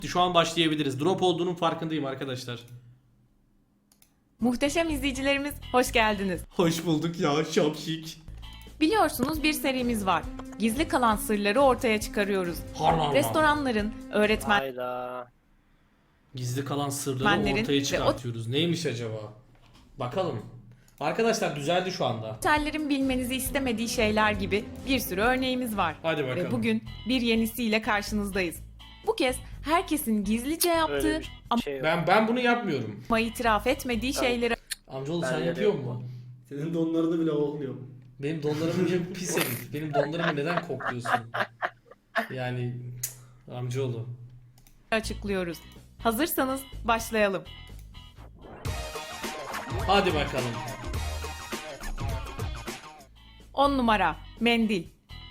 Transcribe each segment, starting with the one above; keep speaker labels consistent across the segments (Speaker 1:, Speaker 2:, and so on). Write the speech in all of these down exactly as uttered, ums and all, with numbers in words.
Speaker 1: Şu an başlayabiliriz. Drop olduğunun farkındayım arkadaşlar.
Speaker 2: Muhteşem izleyicilerimiz hoş geldiniz.
Speaker 1: Hoş bulduk ya şapşik.
Speaker 2: Biliyorsunuz bir serimiz var. Gizli kalan sırları ortaya çıkarıyoruz.
Speaker 1: Harlan.
Speaker 2: Restoranların, öğretmenlerin
Speaker 3: Hayda.
Speaker 1: Gizli kalan sırları
Speaker 2: Benlerin
Speaker 1: ortaya
Speaker 2: ve
Speaker 1: çıkartıyoruz. Neymiş acaba? Bakalım. Arkadaşlar düzeldi şu anda.
Speaker 2: otellerin bilmenizi istemediği şeyler gibi bir sürü örneğimiz var.
Speaker 1: Hadi bakalım.
Speaker 2: Ve bugün bir yenisiyle karşınızdayız. Bu kez herkesin gizlice yaptığı
Speaker 3: Öyle bir
Speaker 2: ama
Speaker 3: şey yok.
Speaker 1: Ben ben bunu yapmıyorum.
Speaker 2: itiraf etmediği şeyleri
Speaker 1: Amcaoğlu
Speaker 3: Ben
Speaker 1: sen
Speaker 3: de
Speaker 1: yapıyor
Speaker 3: yapmam.
Speaker 1: musun?
Speaker 4: Senin donlarını bile olmuyorum.
Speaker 1: Benim donlarımı niye pis herif? Benim donlarımı neden kokluyorsun? Yani cık, amcaoğlu.
Speaker 2: açıklıyoruz. Hazırsanız başlayalım.
Speaker 1: Hadi bakalım.
Speaker 2: on numara mendil.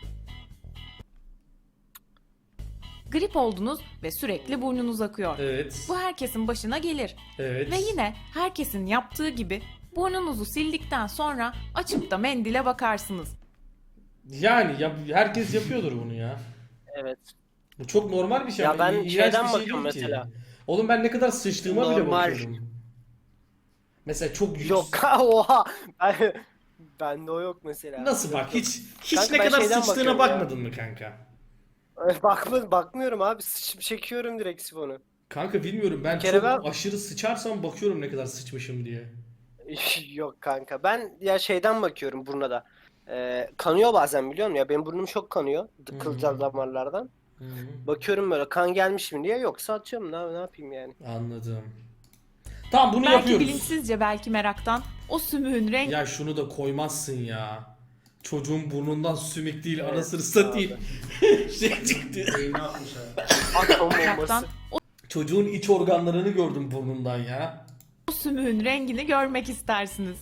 Speaker 2: Grip oldunuz ve sürekli burnunuz akıyor.
Speaker 1: Evet.
Speaker 2: Bu herkesin başına gelir.
Speaker 1: Evet.
Speaker 2: Ve yine herkesin yaptığı gibi burnunuzu sildikten sonra açıp da mendile bakarsınız.
Speaker 1: Yani ya, herkes yapıyordur bunu ya.
Speaker 3: Evet.
Speaker 1: Bu çok normal bir şey
Speaker 3: Ya
Speaker 1: ama
Speaker 3: ben
Speaker 1: iğrenç
Speaker 3: şeyden
Speaker 1: bir şey
Speaker 3: bakıyorum
Speaker 1: değil ki.
Speaker 3: mesela.
Speaker 1: Oğlum ben ne kadar sıçtığıma bile
Speaker 3: Normal.
Speaker 1: bakıyorum. Mesela çok yüks-
Speaker 3: Yok oha. Ben, bende o yok mesela.
Speaker 1: Nasıl bak hiç hiç
Speaker 3: Kanka
Speaker 1: ne
Speaker 3: ben
Speaker 1: kadar
Speaker 3: şeyden
Speaker 1: sıçtığına
Speaker 3: bakıyorum ya.
Speaker 1: bakmadın mı kanka?
Speaker 3: Bakma, bakmıyorum abi. Sıçıp çekiyorum direkt sifonu.
Speaker 1: Kanka bilmiyorum ben
Speaker 3: Bir kere
Speaker 1: çok
Speaker 3: ben-
Speaker 1: aşırı sıçarsam bakıyorum ne kadar sıçmışım diye.
Speaker 3: Yok kanka. Ben ya şeyden bakıyorum burnuna da. Ee, kanıyor bazen biliyor musun? Ya benim burnum çok kanıyor. Kılcal damarlardan.
Speaker 1: Hı hı.
Speaker 3: Bakıyorum böyle kan gelmiş mi diye. Yoksa atıyorum. Ne, ne yapayım yani?
Speaker 1: Anladım. Tamam bunu
Speaker 2: Belki
Speaker 1: yapıyoruz.
Speaker 2: bilinçsizce belki meraktan o sümüğün rengi
Speaker 1: Ya şunu da koymazsın ya. Çocuğun burnundan sümük değil
Speaker 3: Evet,
Speaker 1: anasını satayım. şey çıktı.
Speaker 4: Beyni atmış ha.
Speaker 3: Atom
Speaker 2: meraktan
Speaker 3: bombası.
Speaker 2: o,
Speaker 1: Çocuğun iç organlarını gördüm burnundan ya.
Speaker 2: o sümüğün rengini görmek istersiniz.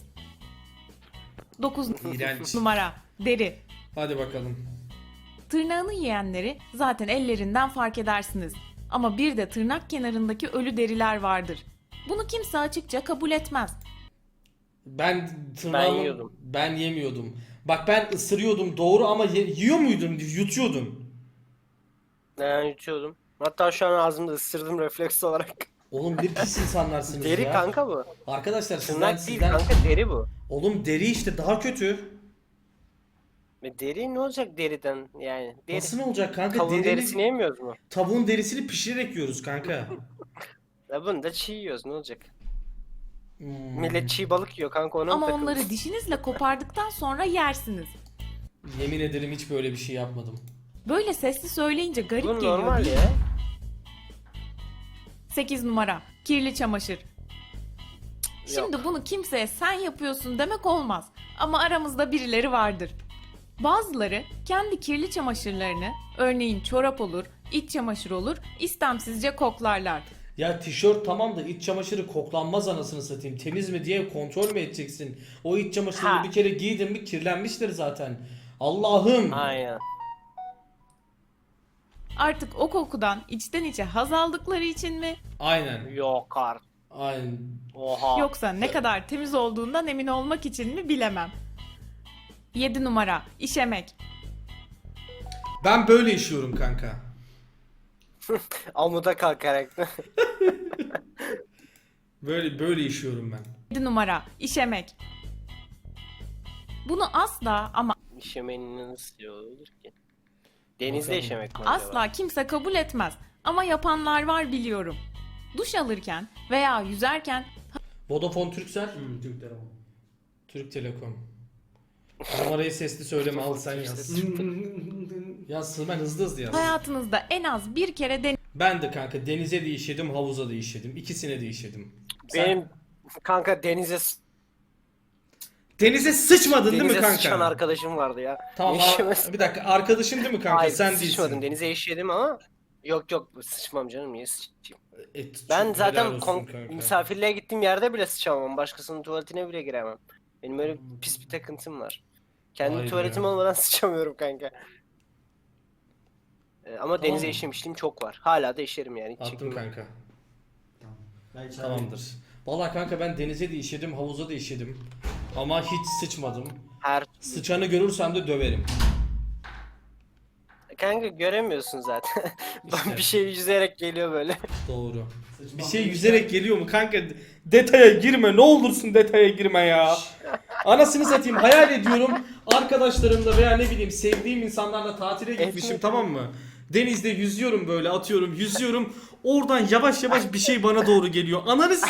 Speaker 2: dokuz
Speaker 1: İğrenç.
Speaker 2: numara deri.
Speaker 1: Hadi bakalım.
Speaker 2: Tırnağını yiyenleri zaten ellerinden fark edersiniz. Ama bir de tırnak kenarındaki ölü deriler vardır. Bunu kimse açıkça kabul etmez.
Speaker 1: Ben tırnağımı
Speaker 3: Ben yiyordum.
Speaker 1: ben yemiyordum. Bak ben ısırıyordum doğru ama ye- yiyor muydun? Yutuyordun.
Speaker 3: Ben yutuyordum. Hatta şu an ağzımda ısırdım refleks olarak.
Speaker 1: Oğlum ne pis insanlarsınız
Speaker 3: Deri
Speaker 1: ya.
Speaker 3: kanka bu.
Speaker 1: Arkadaşlar sizden
Speaker 3: Tırnak değil
Speaker 1: sizden.
Speaker 3: kanka deri bu.
Speaker 1: Oğlum deri işte daha kötü.
Speaker 3: Ve deri ne olacak deriden yani? Deri.
Speaker 1: Nasıl ne olacak kanka?
Speaker 3: Tavuğun
Speaker 1: Derini-
Speaker 3: derisini yemiyoruz mu?
Speaker 1: Tavuğun derisini pişirerek yiyoruz kanka.
Speaker 3: Ya bunu da çiğ yiyoruz ne olacak?
Speaker 1: Hmm.
Speaker 3: Millet çiğ balık yiyor kanka ona mı
Speaker 2: Ama
Speaker 3: takıldın?
Speaker 2: onları dişinizle kopardıktan sonra yersiniz.
Speaker 1: Yemin ederim hiç böyle bir şey yapmadım.
Speaker 2: Böyle sesli söyleyince garip
Speaker 3: Bu
Speaker 2: geliyor
Speaker 3: normal
Speaker 2: değil
Speaker 3: ya.
Speaker 2: mi? sekiz numara kirli çamaşır. Şimdi
Speaker 3: Yok.
Speaker 2: bunu kimseye sen yapıyorsun demek olmaz. Ama aramızda birileri vardır. Bazıları kendi kirli çamaşırlarını, örneğin çorap olur, iç çamaşır olur, istemsizce koklarlar.
Speaker 1: Ya tişört tamam da iç çamaşırı koklanmaz anasını satayım. Temiz mi diye kontrol mü edeceksin? O iç çamaşırını
Speaker 3: Ha.
Speaker 1: bir kere giydin mi kirlenmiştir zaten. Allah'ım.
Speaker 3: Aynen.
Speaker 2: Artık o kokudan içten içe haz aldıkları için mi,
Speaker 1: Aynen.
Speaker 3: Yok artık.
Speaker 1: Aynen.
Speaker 3: Oha.
Speaker 2: yoksa ne kadar temiz olduğundan emin olmak için mi bilemem. yedi numara işemek.
Speaker 1: Ben böyle işiyorum kanka.
Speaker 3: Amuda kalkarak.
Speaker 1: Böyle böyle işiyorum ben.
Speaker 2: yedi numara işemek. Bunu asla ama
Speaker 3: İşemenin nasıl olur ki? Denizde
Speaker 1: Bakalım.
Speaker 3: işemek mi acaba?
Speaker 2: asla kimse kabul etmez. Ama yapanlar var biliyorum. Duş alırken veya yüzerken
Speaker 1: Vodafone Turkcell,
Speaker 4: Hmm, Türk telefonu.
Speaker 1: Türk Telekom. Numarayı sesli söyleme al sen yaz. Yaz hemen hızlı hızlı yaz.
Speaker 2: hayatınızda en az bir kere
Speaker 1: Ben de kanka denize de işedim, havuza da işedim. İkisine de işedim. Sen
Speaker 3: Benim kanka denize s-
Speaker 1: denize sıçmadın değil mi
Speaker 3: denize
Speaker 1: kanka?
Speaker 3: sıçan arkadaşım vardı ya.
Speaker 1: Tamam
Speaker 3: Ne işemez-
Speaker 1: a- bir dakika arkadaşın değil mi kanka?
Speaker 3: Hayır
Speaker 1: Sen
Speaker 3: sıçmadım.
Speaker 1: değilsin.
Speaker 3: Denize işedim ama yok yok sıçmam canım niye sıçayım?
Speaker 1: E, çok
Speaker 3: Ben
Speaker 1: helal
Speaker 3: zaten
Speaker 1: olsun
Speaker 3: kon-
Speaker 1: kanka.
Speaker 3: misafirliğe gittiğim yerde bile sıçamam. Başkasının tuvaletine bile giremem. Benim öyle pis bir takıntım var. Kendi
Speaker 1: Vay be.
Speaker 3: tuvaletim olmadan sıçamıyorum kanka. Ee, ama denize
Speaker 1: Tamam.
Speaker 3: işemişliğim çok var. Hala da işerim yani. Hiç
Speaker 1: Attım
Speaker 3: çekinmem.
Speaker 1: kanka.
Speaker 4: Tamam. Ben içeride-
Speaker 1: Tamamdır. Vallahi kanka ben denize de işedim, havuza da işedim. Ama hiç sıçmadım.
Speaker 3: Her
Speaker 1: Sıçanı görürsem de döverim.
Speaker 3: Kanka göremiyorsun zaten.
Speaker 1: İşte.
Speaker 3: Bir şey yüzerek geliyor böyle.
Speaker 1: Doğru.
Speaker 4: Saçma
Speaker 1: Bir şey
Speaker 4: sapan
Speaker 1: yüzerek geliyor mu kanka? Detaya girme, ne olursun detaya girme ya. Anasını satayım, hayal ediyorum arkadaşlarımla veya ne bileyim sevdiğim insanlarla tatile gitmişim,
Speaker 3: Evet.
Speaker 1: tamam mı? Denizde yüzüyorum, böyle atıyorum, yüzüyorum. Oradan yavaş yavaş bir şey bana doğru geliyor. Ananız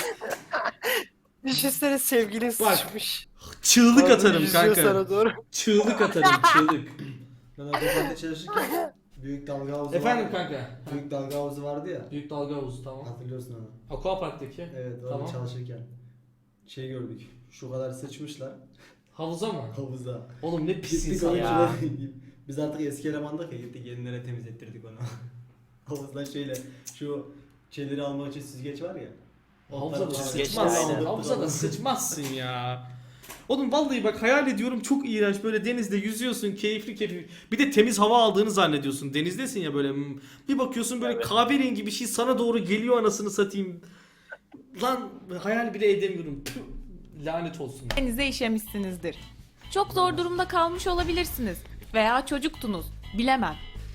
Speaker 3: Düşünsene sevgilin
Speaker 1: Bak,
Speaker 3: sıçmış.
Speaker 1: çığlık
Speaker 3: Sonra
Speaker 1: atarım
Speaker 3: yüzüyor
Speaker 1: kanka.
Speaker 3: sana doğru.
Speaker 1: Çığlık atarım, çığlık.
Speaker 4: Ben otobanda çalışırken büyük dalga havuzu
Speaker 1: Efendim
Speaker 4: vardı.
Speaker 1: kanka.
Speaker 4: Büyük dalga havuzu vardı ya.
Speaker 1: Büyük dalga havuzu, tamam.
Speaker 4: Hatırlıyorsun onu.
Speaker 1: Aquapark'taki.
Speaker 4: Evet orada
Speaker 1: Tamam.
Speaker 4: çalışırken. Şey gördük. Şu kadar sıçmışlar
Speaker 1: Havuza mı?
Speaker 4: havuza.
Speaker 1: Oğlum ne pis
Speaker 4: Gittik
Speaker 1: insan
Speaker 4: onu
Speaker 1: ya.
Speaker 4: şurada- Biz artık eski elemandık ya, gittik yenilere temizlettirdik onu. Havuzdan şöyle şu şeyleri almak için süzgeç var ya.
Speaker 1: Havuza da
Speaker 4: Onları-
Speaker 1: sıçmazsın.
Speaker 3: aynen.
Speaker 1: Havuza da sıçmazsın ya. Oğlum vallahi bak hayal ediyorum, çok iğrenç, böyle denizde yüzüyorsun, keyifli keyifli. Bir de temiz hava aldığını zannediyorsun. Denizdesin ya böyle. hmm, Bir bakıyorsun böyle
Speaker 3: Evet.
Speaker 1: kahverengi bir şey sana doğru geliyor, anasını satayım. Lan hayal bile edemiyorum. Tüh, lanet olsun.
Speaker 2: Denize işemişsinizdir. Çok zor durumda kalmış olabilirsiniz. Veya çocuktunuz. Bilemem.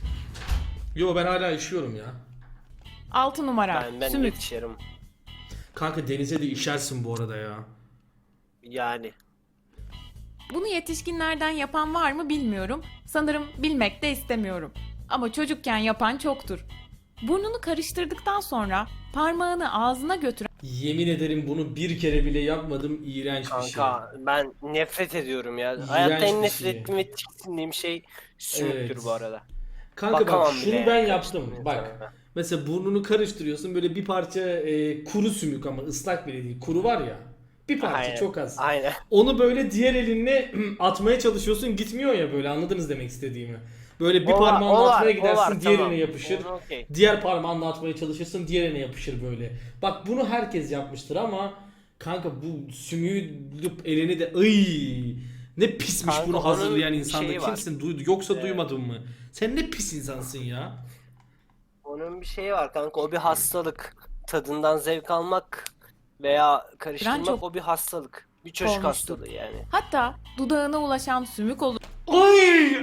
Speaker 1: Yo ben hala işiyorum ya.
Speaker 2: altı numara.
Speaker 3: Ben, ben
Speaker 2: Sümük.
Speaker 3: yetişirim.
Speaker 1: Kanka denize de işersin bu arada ya.
Speaker 3: Yani.
Speaker 2: Bunu yetişkinlerden yapan var mı bilmiyorum. Sanırım bilmek de istemiyorum. Ama çocukken yapan çoktur. Burnunu karıştırdıktan sonra parmağını ağzına götüren
Speaker 1: Yemin ederim bunu bir kere bile yapmadım, iğrenç bir şey.
Speaker 3: Kanka ben nefret ediyorum ya.
Speaker 1: İğrenç
Speaker 3: Hayatta en
Speaker 1: bir
Speaker 3: nefret
Speaker 1: şey.
Speaker 3: ettiğim ve tiksindiğim şey sümüktür
Speaker 1: Evet.
Speaker 3: bu arada.
Speaker 1: Kanka
Speaker 3: Bakamam
Speaker 1: bak şunu
Speaker 3: bile
Speaker 1: ben
Speaker 3: yani,
Speaker 1: yaptım.
Speaker 3: karıştırmaya
Speaker 1: Bak
Speaker 3: sana.
Speaker 1: mesela burnunu karıştırıyorsun, böyle bir parça e, kuru sümük, ama ıslak bile değil. Kuru var ya. Bir parça,
Speaker 3: Aynen.
Speaker 1: çok az.
Speaker 3: Aynen.
Speaker 1: Onu böyle diğer elinle atmaya çalışıyorsun, gitmiyor ya böyle, anladınız demek istediğimi. Böyle bir
Speaker 3: O var,
Speaker 1: parmağınla
Speaker 3: o var,
Speaker 1: atmaya
Speaker 3: o
Speaker 1: gidersin,
Speaker 3: var,
Speaker 1: diğerine
Speaker 3: tamam.
Speaker 1: yapışır.
Speaker 3: Onu okey.
Speaker 1: Diğer parmağınla atmaya çalışırsın, diğerine yapışır böyle. Bak bunu herkes yapmıştır ama kanka bu sümüğü lup elini de ıy, ne pismiş
Speaker 3: Kanka
Speaker 1: bunu
Speaker 3: onun
Speaker 1: hazırlayan
Speaker 3: bir
Speaker 1: insanda.
Speaker 3: şeyi var.
Speaker 1: Kimsin duydu yoksa
Speaker 3: Evet.
Speaker 1: duymadın mı? Sen ne pis insansın ya.
Speaker 3: Onun bir şeyi var kanka, o bir hastalık. Tadından zevk almak veya karıştırmak
Speaker 2: çok
Speaker 3: o bir hastalık. Bir çocuk
Speaker 2: olmuştu.
Speaker 3: hastalığı yani.
Speaker 2: hatta dudağına ulaşan sümük olur.
Speaker 1: Ay!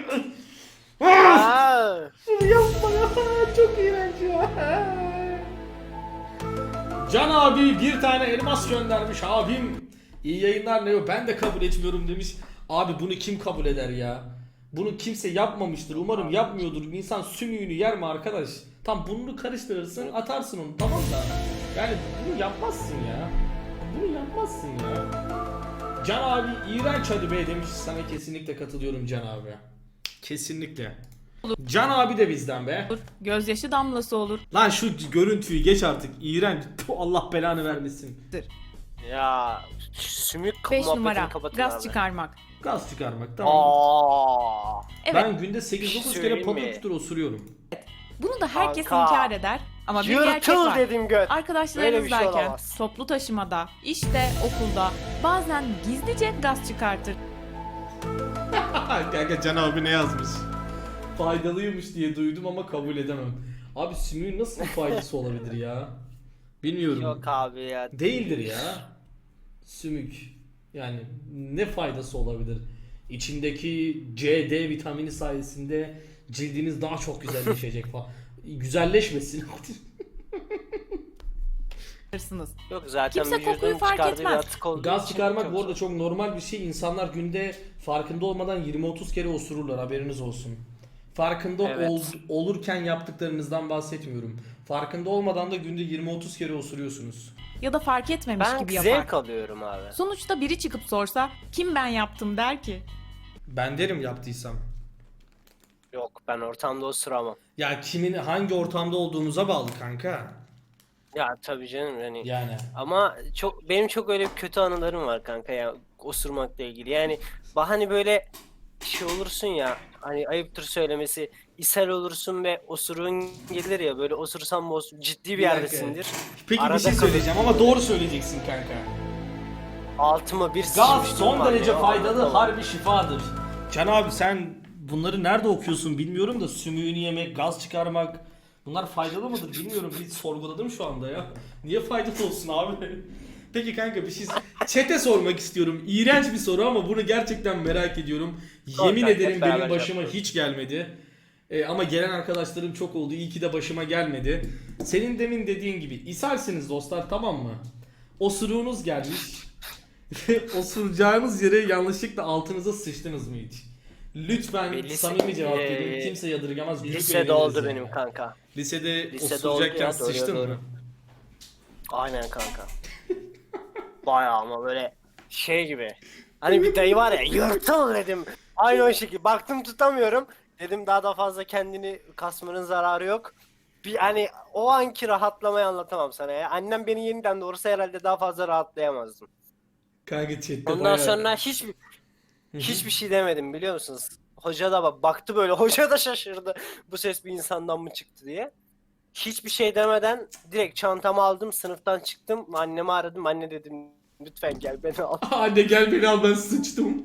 Speaker 3: Aa,
Speaker 1: Yapma ya, çok iğrenç ya. Can abi bir tane elmas göndermiş abim. İyi yayınlar Neo, ben de kabul etmiyorum demiş. Abi bunu kim kabul eder ya? Bunu kimse yapmamıştır, umarım yapmıyordur. İnsan sümüğünü yer mi arkadaş? Tam burnunu karıştırırsın, atarsın onu, tamam da. Yani bunu yapmazsın ya. Bunu yapmazsın ya. Can abi iğrenç hadi be demiş, sana kesinlikle katılıyorum Can abi. Kesinlikle. Can abi de bizden be.
Speaker 2: Gözyaşı damlası olur.
Speaker 1: Lan şu görüntüyü geç artık. İğrenç. Puh, Allah belanı vermesin.
Speaker 3: ya sümük
Speaker 2: beş
Speaker 3: muhabbetini
Speaker 2: numara.
Speaker 3: kapatın
Speaker 2: Gaz
Speaker 3: abi.
Speaker 2: çıkarmak.
Speaker 1: Gaz çıkarmak, tamam.
Speaker 3: Aa,
Speaker 2: Evet.
Speaker 1: Ben günde sekiz
Speaker 3: Bir şey
Speaker 1: dokuz kere
Speaker 3: söyleyeyim
Speaker 1: patır
Speaker 3: mi?
Speaker 1: kütür osuruyorum.
Speaker 2: Bunu da herkes
Speaker 3: Kanka.
Speaker 2: inkar eder. Ama bir gerçek
Speaker 3: yırtıl
Speaker 2: var.
Speaker 3: dedim göt. Böyle bir şey
Speaker 2: Arkadaşlarınızdayken,
Speaker 3: olamaz.
Speaker 2: toplu taşımada, işte, okulda bazen gizlice gaz çıkartır.
Speaker 1: Kanka Can abi ne yazmış? Faydalıymış diye duydum ama kabul edemem. Abi sümüğün nasıl bir faydası olabilir ya? Bilmiyorum.
Speaker 3: Yok abi ya.
Speaker 1: Değildir ya. Sümük. Yani ne faydası olabilir? İçindeki C, D vitamini sayesinde cildiniz daha çok güzelleşecek falan. Güzelleşmesin.
Speaker 2: Hırsınız.
Speaker 3: Yok zaten
Speaker 2: Kimse
Speaker 3: vücudun
Speaker 2: kokuyu fark
Speaker 3: çıkardığı bir
Speaker 2: etmez.
Speaker 3: atık olduğu
Speaker 1: Gaz
Speaker 3: için
Speaker 1: çıkarmak
Speaker 3: çok
Speaker 1: bu arada
Speaker 3: zor.
Speaker 1: çok normal bir şey. İnsanlar günde farkında olmadan yirmi otuz kere osururlar, haberiniz olsun. Farkında
Speaker 3: Evet.
Speaker 1: ol- olurken yaptıklarınızdan bahsetmiyorum. Farkında olmadan da günde yirmi otuz kere osuruyorsunuz.
Speaker 2: Ya da fark etmemiş
Speaker 3: Ben
Speaker 2: gibi yapar.
Speaker 3: zevk alıyorum abi.
Speaker 2: Sonuçta biri çıkıp sorsa kim ben yaptım der ki.
Speaker 1: Ben derim yaptıysam.
Speaker 3: Yok ben ortamda osuramam.
Speaker 1: Ya kimin hangi ortamda olduğumuza bağlı kanka.
Speaker 3: Ya tabii canım yani.
Speaker 1: Yani.
Speaker 3: Ama çok benim çok öyle kötü anılarım var kanka ya osurmakla ilgili. Yani bahane böyle şey olursun ya, hani ayıptır söylemesi, ishal olursun ve osuruğun gelir ya, böyle osursan boz ciddi bir,
Speaker 1: Bir dakika.
Speaker 3: yerdesindir.
Speaker 1: Peki
Speaker 3: Arada
Speaker 1: bir şey
Speaker 3: kalır.
Speaker 1: söyleyeceğim ama doğru söyleyeceksin kanka.
Speaker 3: Altıma bir
Speaker 1: Gaz
Speaker 3: sıçmışlığım
Speaker 1: son
Speaker 3: var
Speaker 1: derece
Speaker 3: ya,
Speaker 1: faydalı,
Speaker 3: anlatamam.
Speaker 1: harbi şifadır. Can abi sen bunları nerede okuyorsun bilmiyorum da sümüğünü yemek, gaz çıkarmak bunlar faydalı mıdır bilmiyorum. Bir sorguladım şu anda ya. Niye faydalı olsun abi? Peki kanka bir şey çete sormak istiyorum. İğrenç bir soru ama bunu gerçekten merak ediyorum.
Speaker 3: Sor
Speaker 1: Yemin
Speaker 3: kanka,
Speaker 1: ederim
Speaker 3: hep
Speaker 1: benim
Speaker 3: beraber
Speaker 1: başıma
Speaker 3: yapalım.
Speaker 1: hiç gelmedi. E, ama gelen arkadaşlarım çok oldu. İyi ki de başıma gelmedi. Senin demin dediğin gibi ishalsiniz dostlar, tamam mı? Osuruğunuz gelmiş. Osuracağınız yere yanlışlıkla altınıza sıçtınız mı hiç? Lütfen
Speaker 3: Bir lise-
Speaker 1: samimi cevap
Speaker 3: Ee,
Speaker 1: verin. Kimse yadırgamaz. Büyük
Speaker 3: Lisede
Speaker 1: eğleniriz
Speaker 3: oldu
Speaker 1: yani.
Speaker 3: benim kanka.
Speaker 1: Lisede,
Speaker 3: Lisede oldu
Speaker 1: osuracakken
Speaker 3: ya, doğru,
Speaker 1: sıçtın
Speaker 3: doğru.
Speaker 1: mı?
Speaker 3: Aynen kanka. Bayağı ama böyle şey gibi. Hani bir dayı var ya, yırtıl dedim. Aynı o şekilde. Baktım tutamıyorum. Dedim daha da fazla kendini kasmanın zararı yok. Bir hani o anki rahatlamayı anlatamam sana ya. Annem beni yeniden doğursa herhalde daha fazla rahatlayamazdım.
Speaker 1: Kanka chatte
Speaker 3: Ondan
Speaker 1: bayağı...
Speaker 3: sonra hiçbir hiçbir şey demedim biliyor musunuz? Hoca da bak baktı böyle. Hoca da şaşırdı. Bu ses bir insandan mı çıktı diye. Hiçbir şey demeden direkt çantamı aldım, sınıftan çıktım. Annemi aradım. Anne dedim lütfen gel beni al.
Speaker 1: Anne gel beni al, ben sıçtım.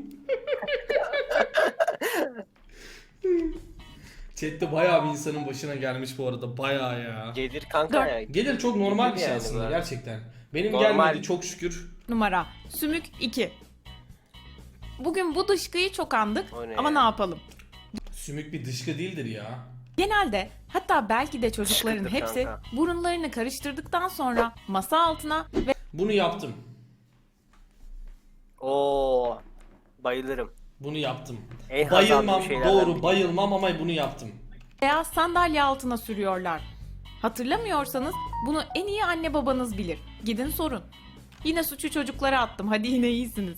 Speaker 1: Chatte bayağı bir insanın başına gelmiş bu arada, bayağı ya.
Speaker 3: Gelir kanka
Speaker 2: Dört.
Speaker 3: ya.
Speaker 1: Gelir, çok normal bir şey
Speaker 3: yani
Speaker 1: aslında
Speaker 3: bu.
Speaker 1: gerçekten. Benim
Speaker 3: Normal.
Speaker 1: gelmedi çok şükür.
Speaker 2: Numara sümük iki. Bugün bu dışkıyı çok andık
Speaker 3: O ne
Speaker 2: ama
Speaker 3: ya?
Speaker 2: ne yapalım?
Speaker 1: Sümük bir dışkı değildir ya.
Speaker 2: Genelde, hatta belki de çocukların
Speaker 3: Dışkıdır
Speaker 2: hepsi
Speaker 3: kanka.
Speaker 2: burunlarını karıştırdıktan sonra masa altına ve
Speaker 1: Bunu yaptım.
Speaker 3: Oo, bayılırım.
Speaker 1: Bunu yaptım.
Speaker 3: En haz
Speaker 1: Bayılmam,
Speaker 3: aldığım şeylerden
Speaker 1: doğru
Speaker 3: biri.
Speaker 1: bayılmam ama bunu yaptım.
Speaker 2: veya sandalye altına sürüyorlar. Hatırlamıyorsanız bunu en iyi anne babanız bilir. Gidin sorun. Yine suçu çocuklara attım. Hadi yine iyisiniz.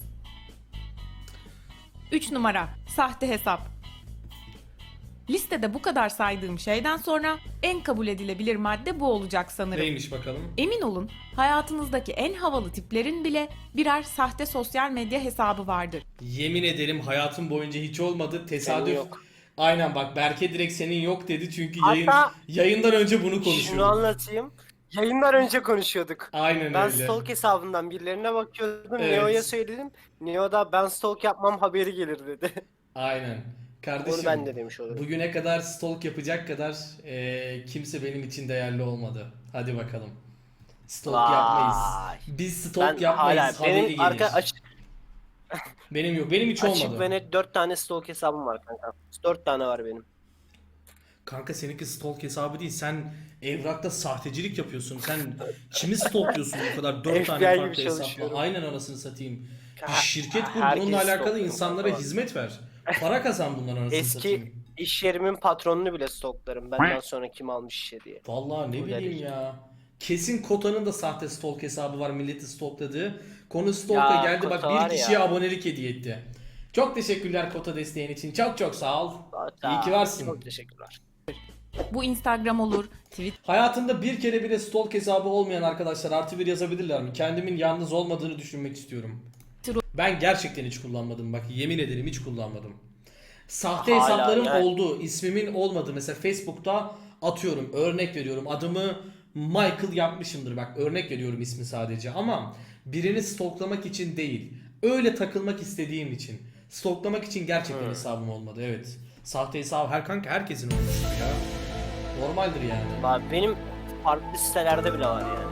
Speaker 2: üç numara sahte hesap. Listede bu kadar saydığım şeyden sonra en kabul edilebilir madde bu olacak sanırım.
Speaker 1: Neymiş bakalım?
Speaker 2: Emin olun, hayatınızdaki en havalı tiplerin bile birer sahte sosyal medya hesabı vardır.
Speaker 1: Yemin ederim hayatım boyunca hiç olmadı. Tesadüf.
Speaker 3: Senin yok.
Speaker 1: Aynen bak, Berke direkt senin yok dedi çünkü
Speaker 3: Hatta-
Speaker 1: yayın, yayından önce bunu
Speaker 3: Şunu
Speaker 1: konuşuyorduk.
Speaker 3: anlatayım. Yayından önce konuşuyorduk.
Speaker 1: Aynen
Speaker 3: Ben
Speaker 1: öyle.
Speaker 3: stalk hesabından birilerine bakıyordum.
Speaker 1: Evet.
Speaker 3: Neo'ya söyledim. Neo da ben stalk yapmam haberi gelir dedi.
Speaker 1: Aynen. Kardeşim,
Speaker 3: Onu ben de demiş olurum.
Speaker 1: bugüne kadar stalk yapacak kadar e, kimse benim için değerli olmadı. Hadi bakalım. Stalk
Speaker 3: Vay.
Speaker 1: yapmayız. Biz stalk
Speaker 3: Ben
Speaker 1: yapmayız.
Speaker 3: hala
Speaker 1: Haberi
Speaker 3: benim
Speaker 1: gelir.
Speaker 3: arka açık,
Speaker 1: Benim yok. Benim hiç
Speaker 3: açık
Speaker 1: olmadı.
Speaker 3: ve net dört tane stalk hesabım var kanka. dört tane var benim.
Speaker 1: Kanka seninki stalk hesabı değil. Sen evrakta sahtecilik yapıyorsun. Sen kimi stalkluyorsun bu kadar? Dört
Speaker 3: F B
Speaker 1: tane
Speaker 3: I gibi
Speaker 1: farklı hesapla.
Speaker 3: çalışıyorum.
Speaker 1: Aynen, anasını satayım. Bir
Speaker 3: Ha-
Speaker 1: şirket kur,
Speaker 3: herkes
Speaker 1: bununla alakalı
Speaker 3: stalkluyor
Speaker 1: insanlara
Speaker 3: kanka.
Speaker 1: hizmet ver. Para kazan bundan, anasını
Speaker 3: Eski
Speaker 1: satayım.
Speaker 3: iş yerimin patronunu bile stalklarım. Benden sonra kim almış işe diye.
Speaker 1: Vallahi ne
Speaker 3: Bu
Speaker 1: bileyim
Speaker 3: derece.
Speaker 1: ya. Kesin Kota'nın da sahte stalk hesabı var, milleti stalkladığı. Konu stalk'a
Speaker 3: Ya,
Speaker 1: geldi, bak
Speaker 3: Kota var
Speaker 1: bir kişiye
Speaker 3: ya.
Speaker 1: abonelik hediye etti. Çok teşekkürler Kota desteğin için. Çok çok sağ ol.
Speaker 3: Hatta-
Speaker 1: İyi ki varsın.
Speaker 3: Çok teşekkürler.
Speaker 2: Bu Instagram olur, Twitter
Speaker 1: Hayatında bir kere bile stalk hesabı olmayan arkadaşlar artı bir yazabilirler mi? Kendimin yalnız olmadığını düşünmek istiyorum. Ben gerçekten hiç kullanmadım, bak yemin ederim hiç kullanmadım. Sahte
Speaker 3: Hala
Speaker 1: hesaplarım
Speaker 3: yani.
Speaker 1: oldu. İsmimin olmadı. Mesela Facebook'ta atıyorum, örnek veriyorum, adımı Michael yapmışımdır, bak örnek veriyorum ismi sadece, ama birini stalklamak için değil. Öyle takılmak istediğim için. Stalklamak için gerçekten
Speaker 3: Hmm.
Speaker 1: hesabım olmadı, evet. Sahte hesabı her kanka herkesin olmuştur ya. Normaldir yani.
Speaker 3: Bak benim farklı sitelerde bile var yani.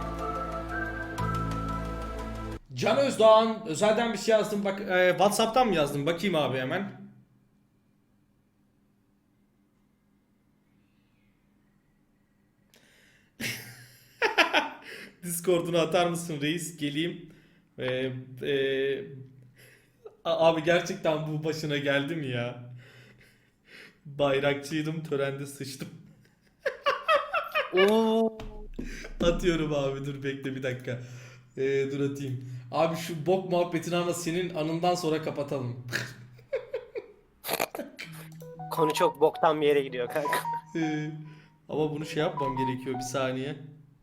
Speaker 1: Can Özdoğan özelden bir şey yazdım, bak e, WhatsApp'tan mı yazdım, bakayım abi hemen. Discord'unu atar mısın reis, geleyim. E, e, a- abi gerçekten bu başına geldi mi ya? Bayrakçıydım, törende sıçtım.
Speaker 3: Oo.
Speaker 1: Atıyorum abi, dur bekle bir dakika. E, dur atayım. Abi şu bok muhabbetini ama senin anından sonra kapatalım.
Speaker 3: Konu çok boktan bir yere gidiyor kanka.
Speaker 1: Ee, ama bunu şey yapmam gerekiyor, bir saniye.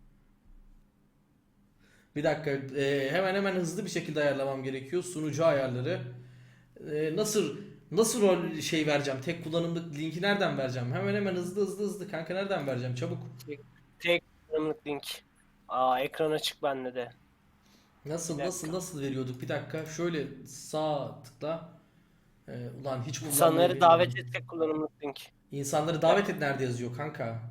Speaker 1: Bir dakika, e, hemen hemen hızlı bir şekilde ayarlamam gerekiyor sunucu ayarları. E, nasıl nasıl rol şey vereceğim? Tek kullanımlık linki nereden vereceğim? Hemen hemen hızlı hızlı hızlı kanka, nereden vereceğim? Çabuk.
Speaker 3: Tek kullanımlık link. Aa ekran açık bende de.
Speaker 1: Nasıl
Speaker 3: Bir
Speaker 1: nasıl
Speaker 3: dakika.
Speaker 1: nasıl veriyorduk? Bir dakika. Şöyle sağ tıkla. E, ulan hiç kullanmayı
Speaker 3: İnsanları davet
Speaker 1: bilmiyorum.
Speaker 3: et tek kullanımlık link.
Speaker 1: İnsanları davet et nerede yazıyor kanka?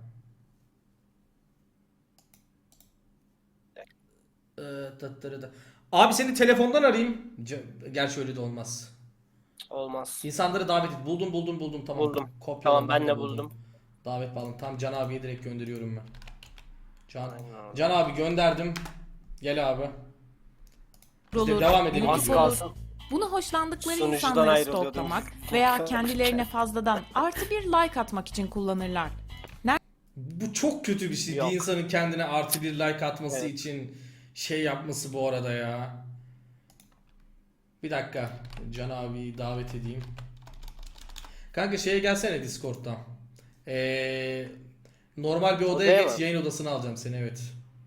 Speaker 1: Ee, tattırı da. Abi seni telefondan arayayım. Ce- Gerçi öyle de olmaz.
Speaker 3: Olmaz.
Speaker 1: İnsanları davet et. Buldum buldum buldum, tamam.
Speaker 3: Buldum.
Speaker 1: Kopyaladım,
Speaker 3: Tamam ben de
Speaker 1: buldum.
Speaker 3: buldum.
Speaker 1: Davet bağlan. Tam Can abiye direkt gönderiyorum ben. Can,
Speaker 3: Aynen.
Speaker 1: Can abi gönderdim. Gel abi. Biz de
Speaker 2: olur,
Speaker 1: devam edelim.
Speaker 2: mutluluk
Speaker 3: Az
Speaker 1: gibi.
Speaker 2: olur.
Speaker 3: kalsın.
Speaker 2: Bunu hoşlandıkları
Speaker 3: Sunucudan
Speaker 2: insanları
Speaker 3: ayrılıyordum.
Speaker 2: stalklamak veya kendilerine fazladan artı bir like atmak için kullanırlar.
Speaker 1: Bu çok kötü bir şey.
Speaker 3: Yok.
Speaker 1: Bir insanın kendine artı bir like atması
Speaker 3: Evet.
Speaker 1: için şey yapması bu arada ya. Bir dakika. Can abiyi davet edeyim. Kanka şeye gelsene Discord'dan. Ee, normal bir odaya
Speaker 3: Odaya
Speaker 1: geç.
Speaker 3: mı?
Speaker 1: Yayın odasına alacağım seni, evet.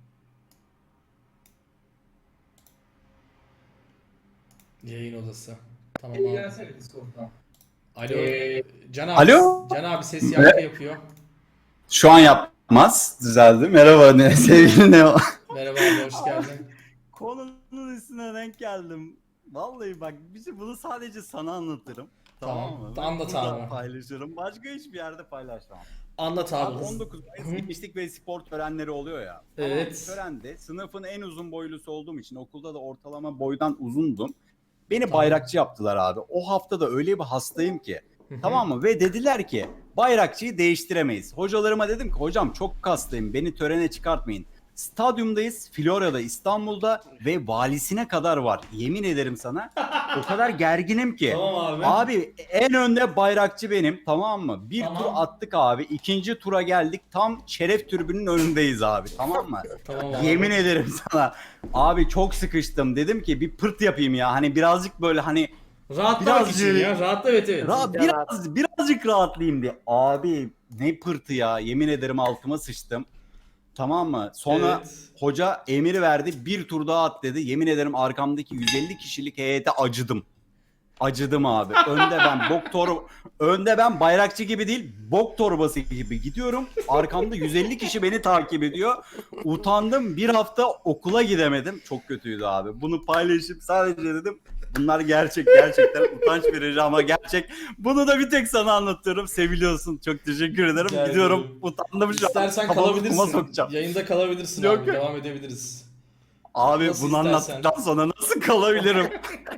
Speaker 1: Yayın odası. Tamam abi.
Speaker 5: Gelsene Discord'dan.
Speaker 1: Alo.
Speaker 5: Ee,
Speaker 1: Can abi.
Speaker 6: alo?
Speaker 1: Can abi ses yankı yapıyor.
Speaker 6: Şu an yapmaz. Düzeldi. Merhaba ne sevgili Neo.
Speaker 1: Merhaba abi, hoş geldin.
Speaker 7: Konunun üstüne denk geldim. Vallahi bak bir şey bunu sadece sana anlatırım.
Speaker 1: Tamam,
Speaker 7: Tamam, mı?
Speaker 1: anlat
Speaker 7: Burada
Speaker 1: abi.
Speaker 7: paylaşırım. Başka hiçbir yerde paylaşmam.
Speaker 1: Anlat abi.
Speaker 7: Abi on dokuz Mayıs gençlik ve spor törenleri oluyor ya.
Speaker 1: Evet.
Speaker 7: Tamam, törende sınıfın en uzun boylusu olduğum için okulda da ortalama boydan uzundum. Beni
Speaker 1: Tamam.
Speaker 7: bayrakçı yaptılar abi. O hafta da öyle bir hastayım ki. Tamam mı? Ve dediler ki bayrakçıyı değiştiremeyiz. Hocalarıma dedim ki hocam çok hastayım, beni törene çıkartmayın. Stadyumdayız, Florya'da, İstanbul'da ve valisine kadar var. Yemin ederim sana. O kadar gerginim ki.
Speaker 1: Tamam abi.
Speaker 7: Abi en önde bayrakçı benim, tamam mı? Bir
Speaker 1: Tamam.
Speaker 7: tur attık abi. İkinci tura geldik. Tam şeref tribünün önündeyiz abi. Tamam mı?
Speaker 1: Tamam abi.
Speaker 7: Yemin ederim sana. Abi çok sıkıştım. Dedim ki bir pırt yapayım ya. Hani birazcık böyle hani
Speaker 1: Rahatlamak
Speaker 7: Biraz
Speaker 1: için
Speaker 7: yürü-
Speaker 1: ya. Rahatla, evet evet.
Speaker 7: Ra- biraz birazcık rahatlayayım diye. Abi ne pırtı ya. Yemin ederim altıma sıçtım. Tamam mı? Sonra
Speaker 1: Evet.
Speaker 7: hoca emir verdi. Bir tur daha at dedi. Yemin ederim arkamdaki yüz elli kişilik heyete acıdım. Acıdım abi. Önde ben bok tor önde ben bayrakçı gibi değil, bok torbası gibi gidiyorum. Arkamda yüz elli kişi beni takip ediyor. Utandım. Bir hafta okula gidemedim. Çok kötüydü abi. Bunu paylaşıp sadece dedim bunlar gerçek, gerçekten utanç verici ama gerçek. Bunu da bir tek sana anlatıyorum. Seviliyorsun. Çok teşekkür ederim.
Speaker 1: Rica
Speaker 7: Gidiyorum.
Speaker 1: ederim.
Speaker 7: Utandım şu an.
Speaker 1: İstersen
Speaker 7: Kafamı
Speaker 1: kalabilirsin.
Speaker 7: kuma sokacağım.
Speaker 1: Yayında kalabilirsin
Speaker 7: Yok,
Speaker 1: abi.
Speaker 7: yok.
Speaker 1: Devam edebiliriz.
Speaker 7: Abi
Speaker 1: Nasıl
Speaker 7: bunu
Speaker 1: istersen.
Speaker 7: anlattıktan sonra nasıl kalabilirim?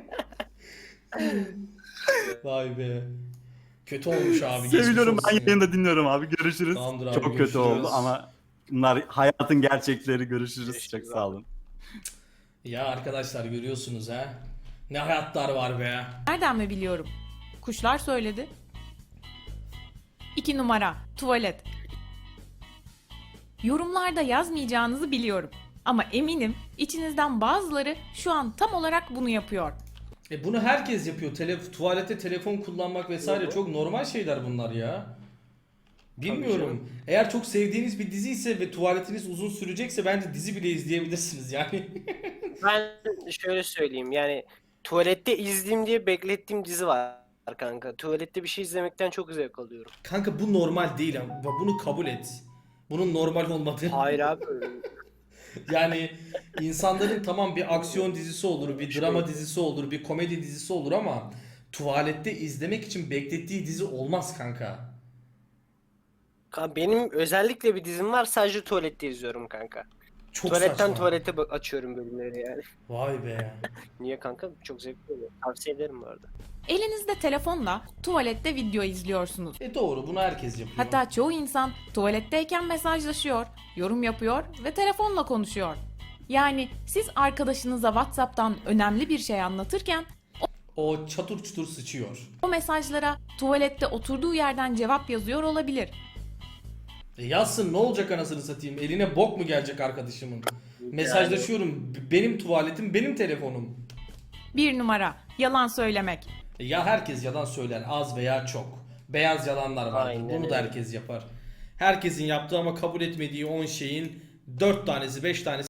Speaker 1: Vay be. Kötü olmuş abi. geçmiş
Speaker 7: Seviyorum, ben
Speaker 1: olsun ya.
Speaker 7: yayında dinliyorum abi. Görüşürüz.
Speaker 1: Tamamdır abi,
Speaker 7: Çok
Speaker 1: görüşürüz.
Speaker 7: kötü oldu ama bunlar hayatın gerçekleri. Görüşürüz.
Speaker 3: Görüşürüz
Speaker 7: Çok
Speaker 3: abi.
Speaker 7: sağ olun.
Speaker 1: Ya arkadaşlar görüyorsunuz ha. Ne hayatlar var be.
Speaker 2: Nereden mi biliyorum? Kuşlar söyledi. İki numara, tuvalet. Yorumlarda yazmayacağınızı biliyorum. Ama eminim içinizden bazıları şu an tam olarak bunu yapıyor.
Speaker 1: E bunu herkes yapıyor. Tele tuvalete telefon kullanmak vesaire çok normal şeyler bunlar ya. Bilmiyorum. Eğer çok sevdiğiniz bir dizi ise ve tuvaletiniz uzun sürecekse bence dizi bile izleyebilirsiniz yani.
Speaker 3: Ben şöyle söyleyeyim yani tuvalette izleyeyim diye beklettiğim dizi var kanka. Tuvalette bir şey izlemekten çok zevk alıyorum.
Speaker 1: Kanka bu normal değil ama bunu kabul et. Bunun normal olmadığı.
Speaker 3: Hayır abi.
Speaker 1: Yani insanların tamam bir aksiyon dizisi olur, bir drama dizisi olur, bir komedi dizisi olur ama tuvalette izlemek için beklettiği dizi olmaz kanka.
Speaker 3: Kanka benim özellikle bir dizim var, sadece tuvalette izliyorum kanka.
Speaker 1: Çok
Speaker 3: Tuvaletten
Speaker 1: saçma.
Speaker 3: tuvalete bak- açıyorum bölümleri yani.
Speaker 1: Vay be.
Speaker 3: Niye kanka? Çok zevkli oluyor. Tavsiye ederim bu arada.
Speaker 2: Elinizde telefonla tuvalette video izliyorsunuz.
Speaker 1: E doğru, bunu herkes yapıyor.
Speaker 2: Hatta çoğu insan tuvaletteyken mesajlaşıyor, yorum yapıyor ve telefonla konuşuyor. Yani siz arkadaşınıza WhatsApp'tan önemli bir şey anlatırken
Speaker 1: o çatır çutur sıçıyor.
Speaker 2: o mesajlara tuvalette oturduğu yerden cevap yazıyor olabilir.
Speaker 1: E yazsın, ne olacak anasını satayım? Eline bok mu gelecek arkadaşımın? Mesajlaşıyorum. B- Benim tuvaletim, benim telefonum.
Speaker 2: Bir numara, yalan söylemek.
Speaker 1: E ya herkes yalan söyler, az veya çok. Beyaz yalanlar vardır.
Speaker 3: Aynen
Speaker 1: Bunu da
Speaker 3: öyle.
Speaker 1: herkes yapar. Herkesin yaptığı ama kabul etmediği on şeyin dört tanesi, beş tanesi